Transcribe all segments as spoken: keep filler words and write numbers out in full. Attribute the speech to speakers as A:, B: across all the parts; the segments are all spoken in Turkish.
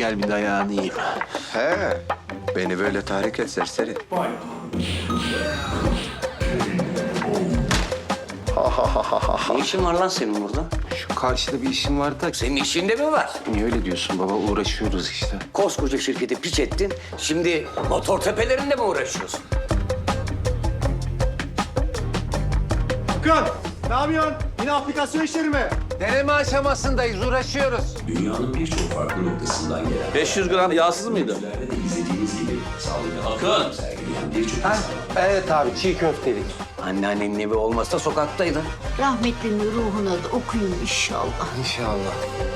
A: gel bir dayağını yiyeyim.
B: He, beni böyle tahrik et serseri.
C: Ne işin var lan senin burada?
A: Şu karşıda bir işim var da...
C: Senin işinde mi var?
A: Niye öyle diyorsun baba? Uğraşıyoruz işte.
C: Koskoca şirketi piç ettin. Şimdi motor tepelerinde mi uğraşıyorsun?
D: Hakan, ne yapıyorsun? Yine aplikasyon işleri mi?
A: Deneme aşamasındayız, uğraşıyoruz.
E: Dünyanın birçok farklı noktasından gelen
F: beş yüz gram yağsız mıydı?
E: ürünlerde de izlediğiniz gibi sağlıklı akıl sergileyen birçok insan
A: Evet abi, çiğ köftelik.
C: Anneannenin evi olmasa sokaktaydın.
G: Rahmetlinin ruhuna da okuyun inşallah.
A: İnşallah.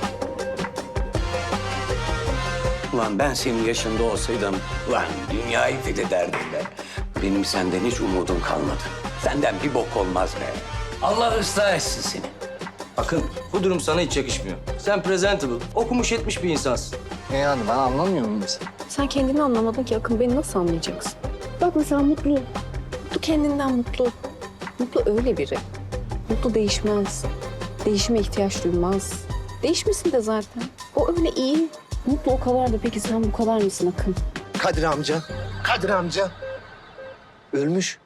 C: Ulan ben senin yaşında olsaydım, ulan dünyayı fethederdim be. Benim senden hiç umudum kalmadı. Senden bir bok olmaz be. Allah ıslah etsin seni.
H: Akın, bu durum sana hiç yakışmıyor. Sen presentable, okumuş etmiş bir insansın.
A: Ne yani, ben anlamıyor muyum mesela?
I: Sen kendini anlamadın ki Akın, beni nasıl anlayacaksın? Bak mesela Mutlu. Mutlu kendinden mutlu. Mutlu öyle biri. Mutlu değişmez. Değişime ihtiyaç duymaz. Değişmesin de zaten. O öyle iyi. Mutlu o kadar da, peki sen bu kadar mısın Akın?
B: Kadir amca, Kadir amca. Ölmüş.